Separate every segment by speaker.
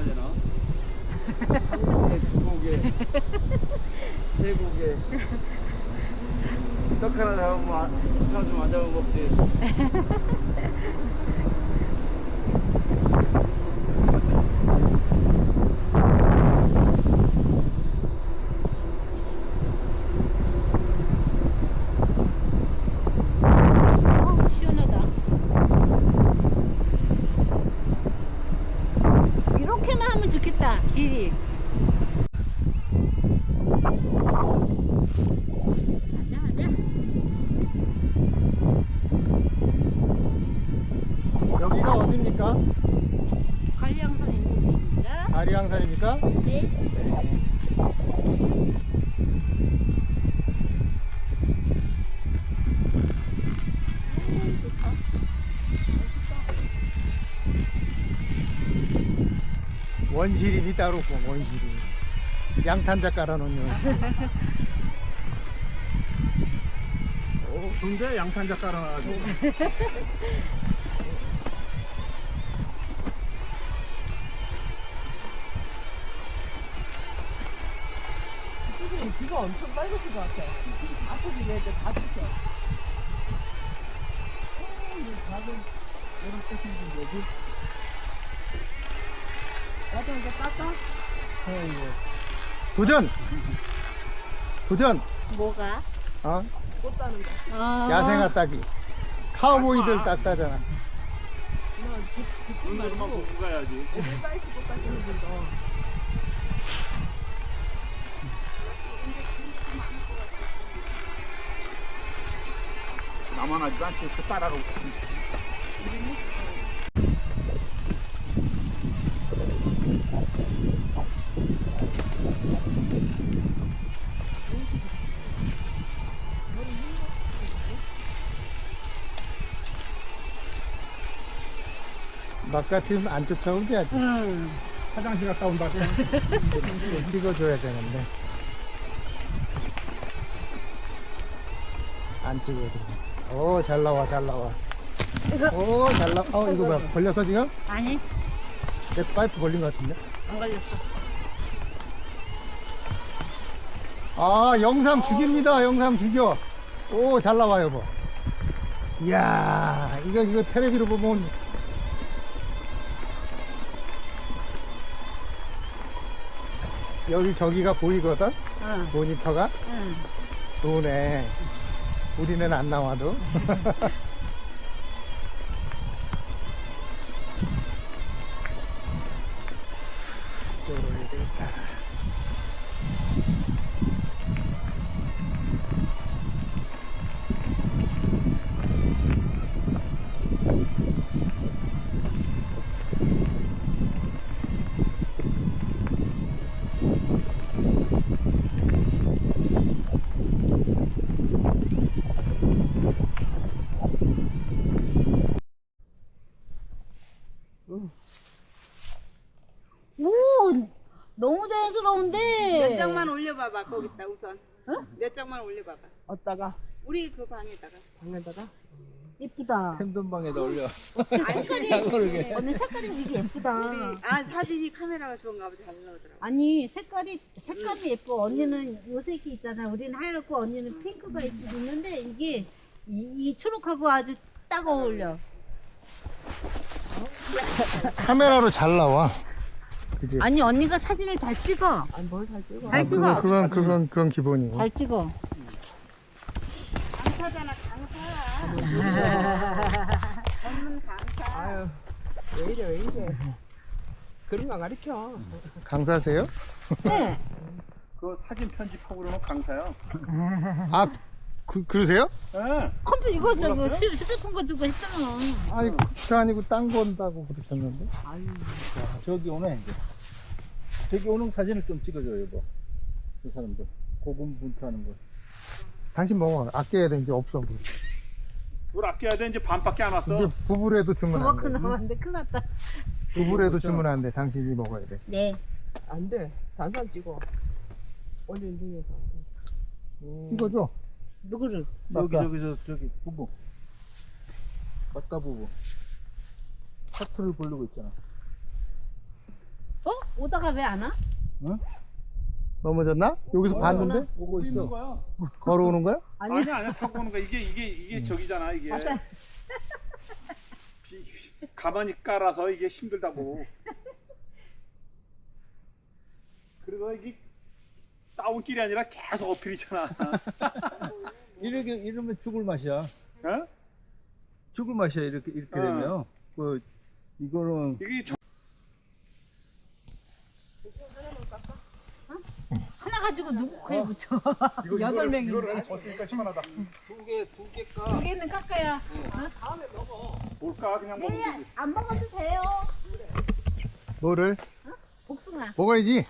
Speaker 1: 되나? 한 고개, 두 고개, 세 고개. 떡 하나 잡으면 하나 좀 안 잡으면 먹지.
Speaker 2: 시원하다. 이렇게만 하면 좋겠다. 길이. 맞아 맞아.
Speaker 3: 여기가 어디입니까?
Speaker 2: 관량선 있는 데입니다.
Speaker 3: 아리양산입니까?
Speaker 2: 네. 좋다.
Speaker 3: 원시림이 따로 없고 원시림. 양탄자 깔아놓은
Speaker 4: 근데 양탄자 깔아놔가지고.
Speaker 5: 지금 비가 엄청 빨갛을 것 같아. 앞으로 얘들 다 주셔. 작은 이렇게 생긴 거지. 나도 이제 깎아?
Speaker 3: 도전! 도전!
Speaker 2: 뭐가?
Speaker 3: 어?
Speaker 5: 꽃 따는 거.
Speaker 2: 아.
Speaker 3: 야생화 따기. 카우보이들 땄다잖아.
Speaker 4: 눈으로만 보고 가야지.
Speaker 5: 애들 따이스 꽃 따지는 분도.
Speaker 4: 나만 하지도 않지. 그 따라가고.
Speaker 3: 막 같으면 안 쫓아오지 아직.
Speaker 2: 응.
Speaker 4: 화장실 갔다 온다.
Speaker 3: 찍어줘야 되는데. 안 찍어줘. 오, 잘 나와, 잘 나와. 오, 잘 나와. 이거 뭐야? 걸렸어, 지금?
Speaker 2: 아니,
Speaker 3: 내 파이프 걸린 것 같은데?
Speaker 2: 안 걸렸어.
Speaker 3: 아, 영상 죽입니다. 영상 죽여. 오, 잘 나와, 여보. 이야, 이거 텔레비로 보면. 여기 저기가 보이거든?
Speaker 2: 응.
Speaker 3: 모니터가?
Speaker 2: 응.
Speaker 3: 좋네. 우리는 안 나와도. 이쪽으로 올려야 되겠다.
Speaker 2: 오, 너무 자연스러운데.
Speaker 6: 몇 장만 올려봐봐 거기다 우선. 몇 장만 올려봐봐.
Speaker 5: 어디다가?
Speaker 6: 우리 그 방에다가.
Speaker 5: 방에다가?
Speaker 2: 예쁘다.
Speaker 1: 팬돈방에다 올려.
Speaker 6: 색깔이
Speaker 2: 언니 색깔이 되게 예쁘다.
Speaker 6: 우리 사진이 카메라가 좋은가 보다 잘 나오더라고.
Speaker 2: 아니 색깔이 예뻐. 언니는 요 색이 있잖아. 우리는 하얗고 언니는 핑크가 있는데 이게 이 초록하고 아주 딱 어울려.
Speaker 3: 카메라로 잘 나와. 그지?
Speaker 2: 아니 언니가 사진을 잘 찍어.
Speaker 5: 아니 뭘 잘 찍어.
Speaker 2: 잘 찍어.
Speaker 3: 그건 기본이고.
Speaker 2: 잘 찍어.
Speaker 6: 강사잖아 강사. 전문 강사.
Speaker 5: 아유, 왜 이래, 왜 이래. 그런 거 가르쳐.
Speaker 3: 강사세요?
Speaker 2: 네.
Speaker 4: 그 사진 편집하고 그러면 강사야.
Speaker 3: 아, 그러세요?
Speaker 4: 예.
Speaker 2: 컴퓨터 이거 저기 휴대폰 가지고 했잖아.
Speaker 3: 아니, 그게 아니고 딴 건다고 그러셨는데.
Speaker 4: 자, 저기 오네 이제. 저기 오는 사진을 좀 찍어줘요, 여보. 그 사람들 고군분투하는 거.
Speaker 3: 당신 먹어. 아껴야 돼. 이제 없어. 물.
Speaker 4: 물 아껴야 돼. 이제 반밖에 안 왔어.
Speaker 3: 이제 부부래도 주문 안
Speaker 2: 그만큼
Speaker 3: 돼.
Speaker 2: 남았는데 큰일 났다.
Speaker 3: 부부래도 주문 안 돼. 당신이 먹어야 돼.
Speaker 2: 네.
Speaker 5: 안 돼. 단산 찍어. 올린 중에서 안 돼.
Speaker 3: 이거죠?
Speaker 2: 누구를?
Speaker 4: 저기 부부. 막가 부부. 하트를 부르고 있잖아.
Speaker 2: 어? 오다가 왜 안 와?
Speaker 3: 넘어졌나? 여기서 봤는데?
Speaker 4: 오고 있어.
Speaker 1: 거야.
Speaker 3: 걸어오는 거야?
Speaker 1: 아니야 타고 오는 거야. 이게 저기잖아 이게. 가만히 깔아서 이게 힘들다고. 그래서 이게 다운길이 아니라 계속 어필이잖아.
Speaker 4: 이러면 죽을 맛이야.
Speaker 1: 어?
Speaker 4: 죽을 맛이야 이렇게 되면. 그 이거는
Speaker 1: 이게
Speaker 2: 하나 가지고 누구 코에 붙여?
Speaker 1: 여덟 명이 이거를 벗으니까 시원하다. 두 개 까.
Speaker 2: 두 개는 깎아야.
Speaker 1: 뭘까 그냥 먹으면 되지.
Speaker 2: 안 먹어도 돼요.
Speaker 3: 뭐를?
Speaker 2: 복숭아.
Speaker 3: 먹어야지.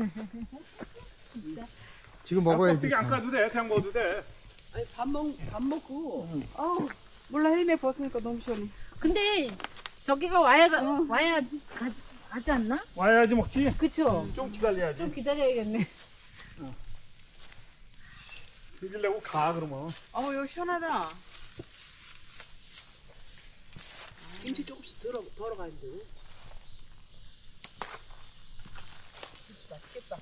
Speaker 3: 지금 먹어야지.
Speaker 1: 껍데기 안 까도 돼. 그냥 먹어도 돼.
Speaker 5: 아니 밥 먹고
Speaker 6: 어우 몰라 헬멧 벗으니까 너무 시원해.
Speaker 2: 근데 저기가 와야 하지 않나?
Speaker 1: 와야지 먹지.
Speaker 2: 그쵸?
Speaker 1: 좀 기다려야지.
Speaker 2: 좀 기다려야겠네.
Speaker 1: 즐기려고 가 그러면.
Speaker 6: 어우 여기 시원하다.
Speaker 5: 김치 조금씩 덜어가는데. 맛있겠다.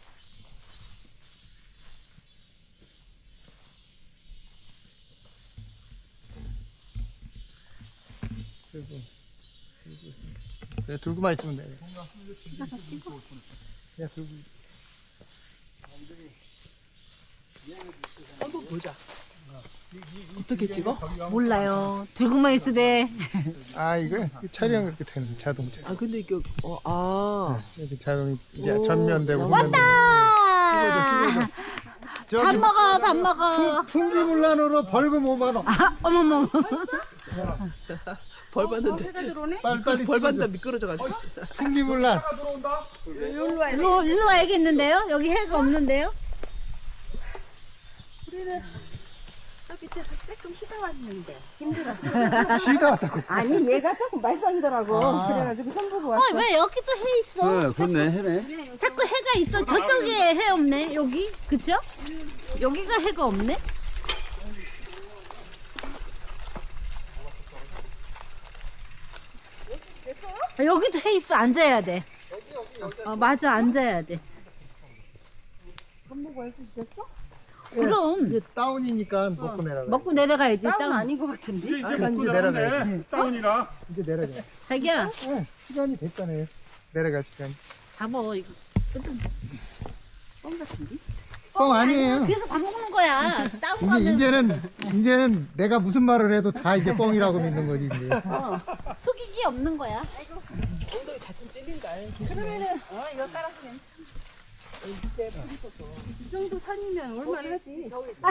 Speaker 3: 그래, 들고만 있으면 돼. 그냥 들고.
Speaker 5: 한번 보자. 어떻게 찍어?
Speaker 2: 몰라요. 들고만 있으래.
Speaker 3: 아, 이거 촬영 이렇게 되는 자동차.
Speaker 5: 아 근데 이게
Speaker 3: 이렇게 자동이 이제
Speaker 5: 오,
Speaker 3: 전면되고
Speaker 5: 왔다!
Speaker 3: 후면되고.
Speaker 2: 아!
Speaker 3: 저기
Speaker 2: 밥 먹어, 밥 먹어.
Speaker 3: 풍기문란으로 벌금 5만 원.
Speaker 2: 어머머.
Speaker 5: 벌 받는데
Speaker 6: 해가 들어오네?
Speaker 3: 빨리빨리
Speaker 5: 벌 받는다
Speaker 3: 찍어줘.
Speaker 5: 미끄러져가지고.
Speaker 3: 풍기문란.
Speaker 6: 여기로 와야 돼.
Speaker 2: 일로 와야겠는데요? 여기 해가 없는데요?
Speaker 6: 저 밑에 조금 쉬다 왔는데 힘들었어.
Speaker 3: 쉬다 왔다고.
Speaker 6: 아니 얘가 조금 말썽이더라고.
Speaker 3: 아.
Speaker 6: 그래가지고 형 보고 왔어.
Speaker 2: 왜 여기 또 해 있어?
Speaker 1: 그렇네 해네.
Speaker 2: 자꾸 해가 있어. 저쪽에 해 없네. 여기. 그쵸? 여기가 해가 없네. 여기도 해 있어. 앉아야 돼. 맞아. 앉아야 돼.
Speaker 6: 밥 먹고 할수 있겠어?
Speaker 2: 그럼
Speaker 3: 이게 다운이니까 먹고 내려가.
Speaker 2: 먹고 내려가야지.
Speaker 6: 다운
Speaker 2: 다운.
Speaker 6: 아닌 것 같은데?
Speaker 1: 이제
Speaker 3: 아니,
Speaker 1: 먹고
Speaker 3: 이제
Speaker 1: 나가네.
Speaker 3: 내려가야
Speaker 1: 다운이라.
Speaker 3: 이제 내려가.
Speaker 2: 자기야,
Speaker 3: 시간이 됐잖아요. 내려갈 시간.
Speaker 2: 잡어 이거.
Speaker 6: 뻥 같은데?
Speaker 3: 뻥 아니에요.
Speaker 2: 그래서 밥 먹는 거야. 다운 가면
Speaker 3: 이제는 내가 무슨 말을 해도 다 이제 뻥이라고 믿는 거지 이제.
Speaker 2: 속이기 없는 거야.
Speaker 5: 엉덩이 자칫 찔린다.
Speaker 6: 그러면은 이거 깔아서 괜찮아. 이 정도 산이면 얼마나 하지?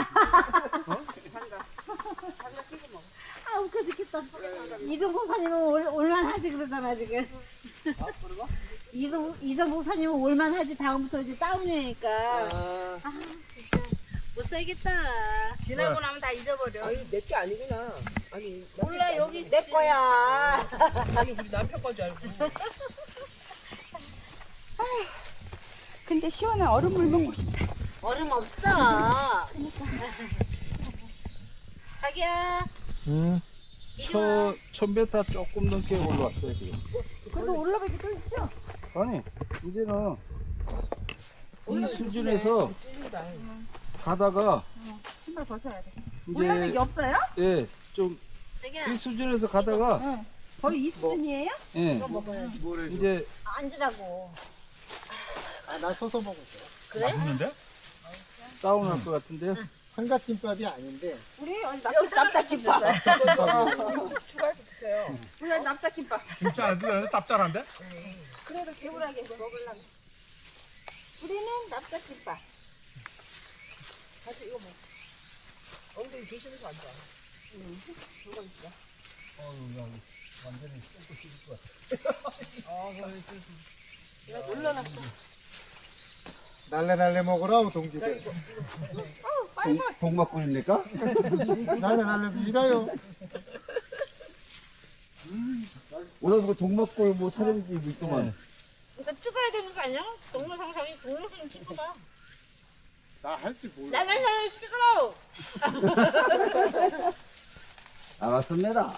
Speaker 6: 장갑 끼고 먹어.
Speaker 2: 아 웃겨 죽겠다. 이동국 사님은 올만하지 그러잖아 지금. 이동국 사님은 올만하지. 다음부터 이제 다운이니까. 아 진짜 못 살겠다.
Speaker 6: 지나고 나면 다 잊어버려.
Speaker 5: 아니 내게 아니구나. 아니
Speaker 6: 몰라 여기 내 거야.
Speaker 5: 아니 우리 남편 건 줄 알고.
Speaker 6: 근데 시원한 얼음물 먹고 싶다.
Speaker 2: 얼음 없어. 자기야.
Speaker 4: 천베타 조금 넘게 올라왔어요 지금.
Speaker 2: 그래도 올라가기 또 있죠?
Speaker 4: 아니 이제는 이 수준에서 가다가
Speaker 6: 신발 벗어야 돼.
Speaker 4: 이제
Speaker 6: 올라가기 없어요?
Speaker 4: 예, 좀
Speaker 2: 자기야.
Speaker 4: 이 수준에서 가다가
Speaker 6: 거의 이 수준이에요?
Speaker 4: 예, 이제
Speaker 2: 앉으라고.
Speaker 3: 나 서서 먹었어.
Speaker 2: 그래?
Speaker 1: 맛있는데?
Speaker 4: 다운할 것 같은데.
Speaker 3: 삼각김밥이 아닌데.
Speaker 6: 우리 오늘
Speaker 2: 여기서 납작김밥.
Speaker 5: 추가해서 드세요.
Speaker 6: 우리 오늘 납작김밥.
Speaker 1: 진짜 안 돼. 짭짤한데?
Speaker 6: 그래도 개운하게 먹으려고. 우리는 납작김밥.
Speaker 5: 다시 이거 먹. 엉덩이 조심해서 앉아.
Speaker 3: 날래 먹으라고 동지들.
Speaker 4: 동막군입니까?
Speaker 3: 날래 일해요.
Speaker 4: 오늘 뭐 동막골 뭐 촬영지 있더만.
Speaker 2: 그러니까 찍어야 되는 거 아니야? 동영상이 동영상 찍어봐.
Speaker 3: 나 할 줄 몰라.
Speaker 2: 나를 찍으러.
Speaker 7: 알았습니다.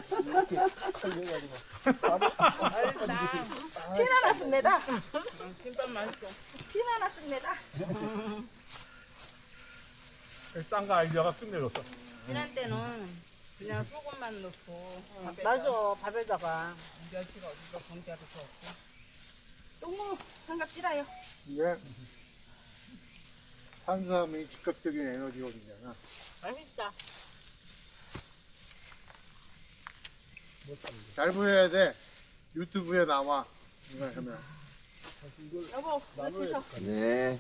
Speaker 6: 피나 났습니다. 김밥 맛있어. 피나 났습니다.
Speaker 1: 딴거 아이디어가 끝내줬어.
Speaker 6: 피난 때는 그냥 소금만 넣고
Speaker 2: 맞아, 밥에다가.
Speaker 6: 멸치가 어디서 공짜로 줬고. 똥무 삼각지라요.
Speaker 3: 이게 탄수화물이 직접적인 에너지원이잖아.
Speaker 2: 맛있다.
Speaker 3: 잘 보여야 돼. 유튜브에 나와. 이거 하면.
Speaker 2: 여보, 이거 드셔.
Speaker 7: 네.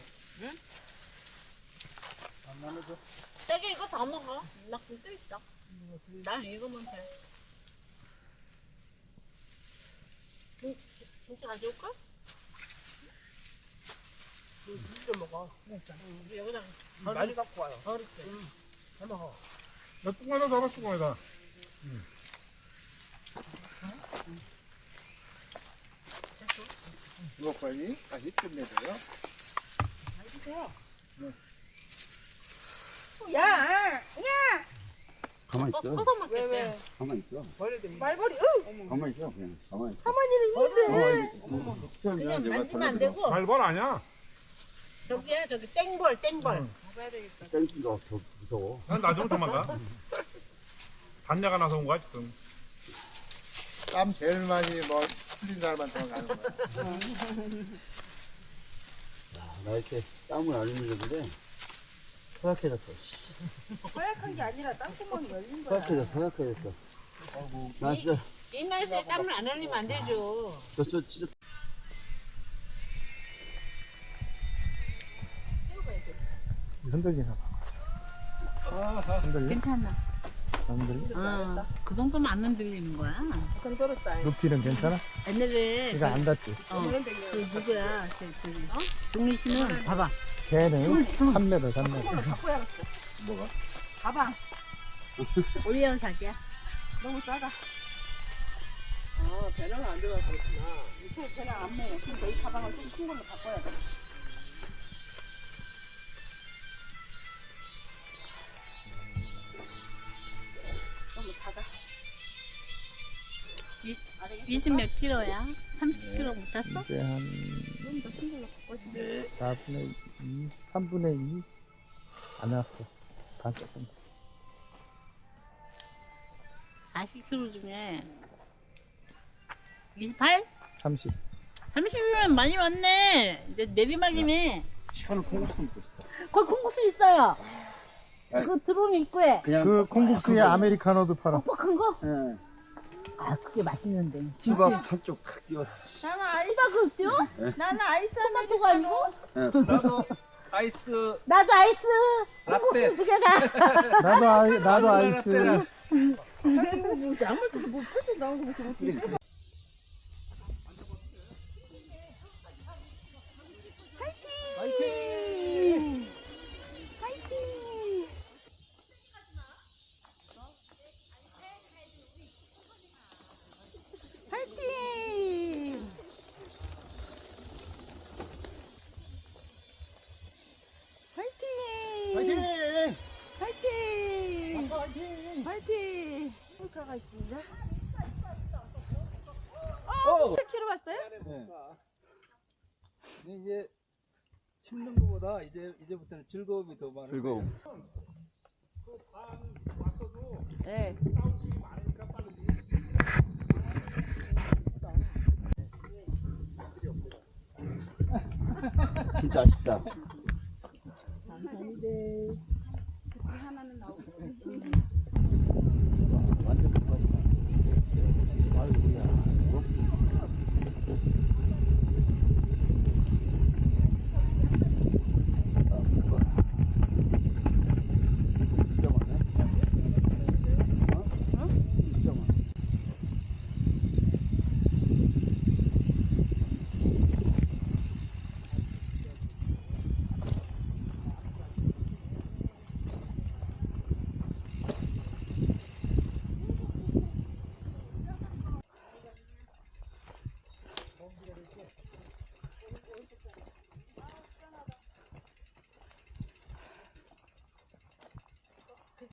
Speaker 2: 세게 이거 다 먹어. 나 굶어 있어. 난 이거면 돼. 진짜 가져올까?
Speaker 5: 진짜 먹어.
Speaker 2: 여기다
Speaker 5: 많이 갖고 와요.
Speaker 2: 버릴게.
Speaker 5: 잘 먹어.
Speaker 1: 나 뚱하나 잡아 뚱하나.
Speaker 3: 이거 빨리 다시 끝내줘요.
Speaker 6: 야, 야.
Speaker 7: 가만히 있어.
Speaker 2: 서서 먹겠대.
Speaker 6: 왜?
Speaker 7: 가만히 있어.
Speaker 6: 말벌이.
Speaker 7: 가만히 있어. 그냥 가만히 있어.
Speaker 6: 사모님은
Speaker 2: 그냥 만지면 안 되고.
Speaker 1: 발벌 아니야.
Speaker 2: 저기야, 저기 땡벌, 땡벌.
Speaker 6: 먹어야 되겠다.
Speaker 7: 땡기가 더 무서워.
Speaker 1: 난 나중에 도망가. 단내가 나서 온 거야 지금.
Speaker 3: 땀 제일 많이 뭐 풀린 사람만 들어가는 거야.
Speaker 7: 나 이렇게 땀을 안 흘리는데 허약해졌어.
Speaker 6: 허약한 게 아니라 땅구멍이 열린 거야.
Speaker 7: 허약해졌어. 나 진짜,
Speaker 2: 이 날씨에 땀을 안 흘리면 안 되죠.
Speaker 7: 저 진짜.
Speaker 3: 흔들리나 봐. 흔들려?
Speaker 2: 괜찮아.
Speaker 3: 안 흔들려?
Speaker 2: 그 정도면 안 흔들리는 거야.
Speaker 6: 건드렸다.
Speaker 3: 높이는 괜찮아?
Speaker 2: 옛날에
Speaker 3: 이거 안 닿지?
Speaker 2: 그 누구야? 동민 씨는 봐봐.
Speaker 3: 걔는 3m, 3m.
Speaker 6: 바꿔야겠어.
Speaker 7: 뭐가?
Speaker 6: 가방
Speaker 2: 올리온 사기야.
Speaker 6: 너무 작아.
Speaker 5: 아, 배낭 안 들어가서 그렇구나.
Speaker 6: 이제 배낭 안 먹어. 그러니까 이 가방을 좀 큰 걸로 바꿔야 돼. 너무 작아.
Speaker 2: 20 몇 킬로야? 30킬로 못 탔어?
Speaker 3: 이제 한
Speaker 6: 좀더 큰 걸로 바꿔야
Speaker 3: 4분의 2, 3분의 2? 안 왔어. 반 조금.
Speaker 2: 40킬로 중에 28?
Speaker 3: 30.
Speaker 2: 30이면 많이 왔네. 이제 내리막이네.
Speaker 7: 시원한 콩국수 먹고 싶다.
Speaker 2: 거기 콩국수 있어요.
Speaker 7: 아이.
Speaker 2: 그 드론 입구에.
Speaker 7: 그냥
Speaker 3: 그 콩국수에 아메리카노도 팔아.
Speaker 2: 오빠 큰 거?
Speaker 7: 예.
Speaker 2: 아, 그게 맛있는데.
Speaker 7: 수박 한쪽 탁 띄워서.
Speaker 6: 나는 아이스.
Speaker 2: 수박을 띄워?
Speaker 6: 나는 아이스
Speaker 2: 토마토가 아니고?
Speaker 7: 예.
Speaker 4: 나도 아이스
Speaker 2: 나도 아이스.
Speaker 4: 라떼.
Speaker 2: 콩국수 두 개다.
Speaker 3: 나도 아이스.
Speaker 6: 아이고 뭐 아무것도 못 펴도 나오고 뭐 그러지.
Speaker 4: 화이팅!
Speaker 6: 파이팅! 파이팅! 파이팅!
Speaker 3: 화이팅!
Speaker 6: 파이팅!
Speaker 3: 화이팅!
Speaker 6: 파이팅! 홀카가 있습니다.
Speaker 4: 오!
Speaker 6: 7kg 왔어요?
Speaker 4: 네. 이제 힘든 것보다 이제부터는 즐거움이 더 많을
Speaker 7: 즐거움.
Speaker 6: 네.
Speaker 7: 진짜 아쉽다.
Speaker 6: 하나는 나오고.
Speaker 7: 완전 불맛이다. 아이고야.